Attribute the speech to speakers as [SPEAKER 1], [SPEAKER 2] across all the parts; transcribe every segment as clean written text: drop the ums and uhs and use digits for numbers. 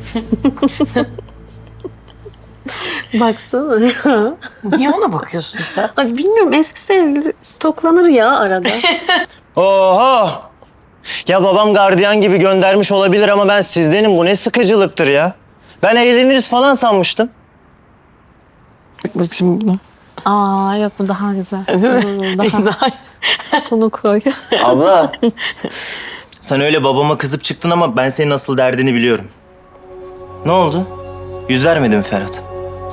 [SPEAKER 1] Baksana ya.
[SPEAKER 2] Niye ona bakıyorsun sen?
[SPEAKER 1] Ay bilmiyorum, eski sevgili stoklanır ya arada.
[SPEAKER 3] Oho! Ya babam gardiyan gibi göndermiş olabilir ama ben sizdenim. Bu ne sıkıcılıktır ya. Ben eğleniriz falan sanmıştım.
[SPEAKER 2] Bak şimdi buna.
[SPEAKER 1] Aa yok, bu daha güzel.
[SPEAKER 2] Daha...
[SPEAKER 1] Bunu koy.
[SPEAKER 3] Abla. Sen öyle babama kızıp çıktın ama ben senin asıl derdini biliyorum. Ne oldu? Yüz vermedi mi Ferhat?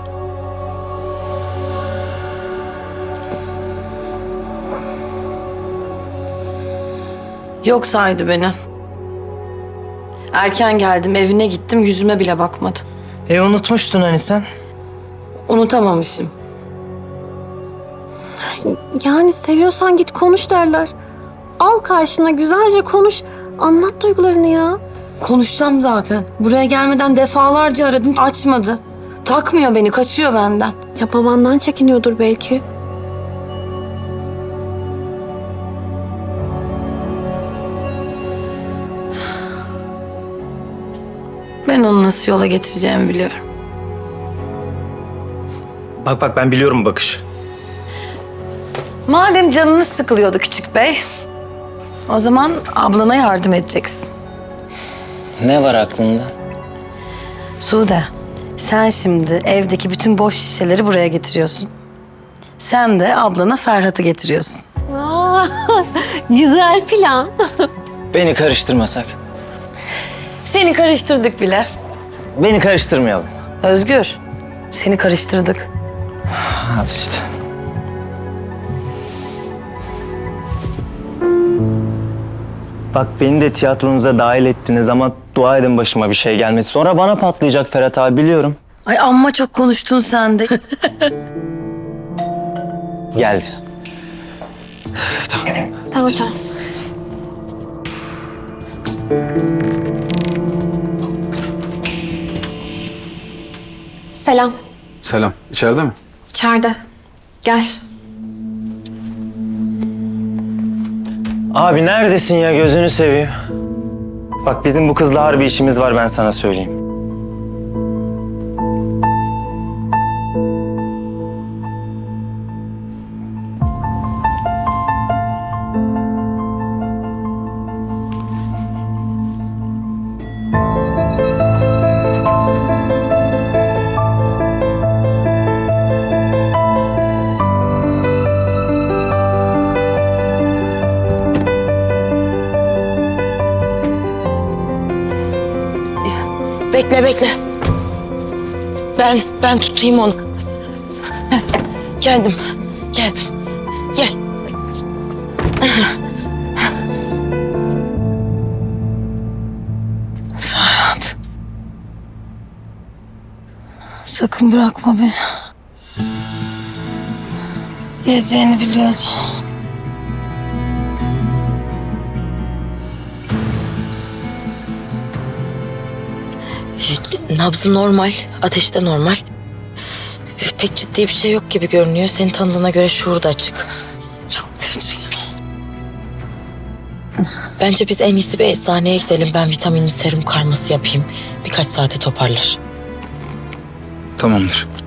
[SPEAKER 2] Yok saydı beni. Erken geldim, evine gittim, yüzüme bile bakmadı.
[SPEAKER 3] Unutmuştun hani sen.
[SPEAKER 2] Unutamamışım.
[SPEAKER 1] Yani seviyorsan git konuş derler. Al karşına, güzelce konuş. Anlat duygularını ya.
[SPEAKER 2] Konuşacağım zaten. Buraya gelmeden defalarca aradım, açmadı. Takmıyor beni, kaçıyor benden.
[SPEAKER 1] Ya babandan çekiniyordur belki.
[SPEAKER 2] Ben onu nasıl yola getireceğimi biliyorum.
[SPEAKER 3] Bak ben biliyorum bakış.
[SPEAKER 2] Madem canınız sıkılıyordu küçük bey, o zaman ablana yardım edeceksin.
[SPEAKER 3] Ne var aklında?
[SPEAKER 2] Sude, sen şimdi evdeki bütün boş şişeleri buraya getiriyorsun. Sen de ablana Ferhat'ı getiriyorsun.
[SPEAKER 1] Aa, güzel plan.
[SPEAKER 3] Beni karıştırmasak.
[SPEAKER 2] Seni karıştırdık bile.
[SPEAKER 3] Beni karıştırmayalım.
[SPEAKER 2] Özgür, seni karıştırdık.
[SPEAKER 3] Hadi işte. Bak beni de tiyatronuza dahil ettiniz ama dua edin başıma bir şey gelmesi. Sonra bana patlayacak Ferhat abi, biliyorum.
[SPEAKER 2] Ay amma çok konuştun sen de.
[SPEAKER 3] Geldi.
[SPEAKER 1] Tamam. Selam.
[SPEAKER 4] Selam. İçeride mi?
[SPEAKER 1] İçeride. Gel.
[SPEAKER 3] Abi neredesin ya, gözünü seveyim. Bak bizim bu kızla harbi işimiz var, ben sana söyleyeyim.
[SPEAKER 2] Bekle. Ben tutayım onu. Heh, geldim. Gel. Ferhat. Sakın bırakma beni. Gezeceğini biliyordum.
[SPEAKER 5] Nabzı normal, ateşi de normal. Pek ciddi bir şey yok gibi görünüyor. Seni tanıdığına göre şuuru da açık.
[SPEAKER 2] Çok kötü.
[SPEAKER 5] Bence biz en iyisi bir eczaneye gidelim. Ben vitaminli serum karması yapayım. Birkaç saate toparlar.
[SPEAKER 4] Tamamdır.